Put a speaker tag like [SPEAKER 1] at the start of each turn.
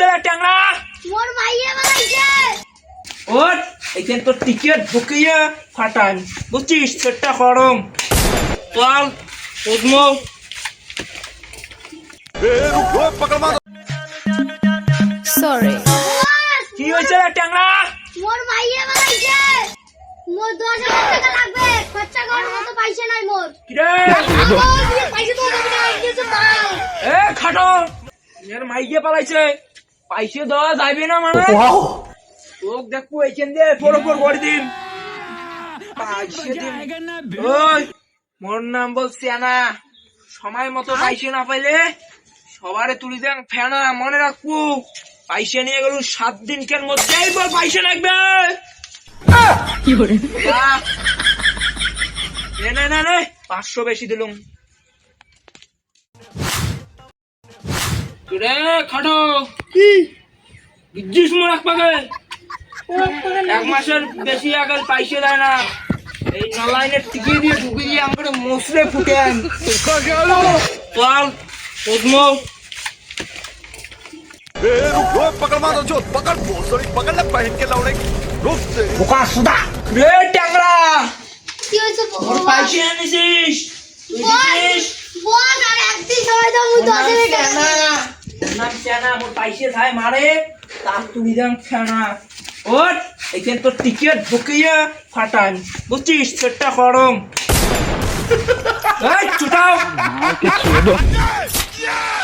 [SPEAKER 1] হয়েছে রে ট্যাংরা?
[SPEAKER 2] মোর মাইয়ে বানাইছে।
[SPEAKER 1] ওর এখানে তোর টিকিট ঢুকিয়ে ফাটান, বুঝছিস? সেটটা করম চল বুঝমো।
[SPEAKER 3] সরি।
[SPEAKER 1] কি হয়েছে রে ট্যাংরা?
[SPEAKER 2] মোর মাইয়ে বানাইছে। মোর 10,000 টাকা লাগবে, খরচা করার মতো পয়সা নাই মোর।
[SPEAKER 1] কি রে?
[SPEAKER 2] পয়সা তো দেবে না, কিছু দাও।
[SPEAKER 1] এ খাটো, এর মাইকে পালাইছে, পয়সা দেওয়া যাবে না মানে? তোক দেখবো এইখান দিয়ে তোর উপর করে দিন। পয়সা দিন। ওই মোর নাম বল সিয়ানা, সময় মতো পয়সা না পাইলে সবারে তুলি দেন ফেনা, মনে রাখবো। পয়সা নিয়ে গেল 7 দিনকের মধ্যেই বল পয়সা লাগবে।
[SPEAKER 3] কি করে?
[SPEAKER 1] নে 500 বেশি দিলুম। রে খাটো, বিদ্যুৎ মোর এক পাগে 1 মাসের বেশি আগে পয়সা দেয় না। এই নলাইনের টিকি দিয়ে ঢুকি দিয়ে আমাকে মশলে ফুটেন। চল বুঝমো। রে ট্যাংরা,
[SPEAKER 2] কি হয়েছে
[SPEAKER 1] ওর পয়সা এনেছিস? তুই দিছিস?
[SPEAKER 2] বল আর একদিন সময় দাও, মুই 10,000 টাকা।
[SPEAKER 1] নাম সেনা, মোর পয়সা খায় মারে, তার তুলি দেন ফেনা। ওর এখানে তোর টিকিট ঢুকিয়ে ফাটান, বুঝছিস? সেটটা করম। এই ছুটাও।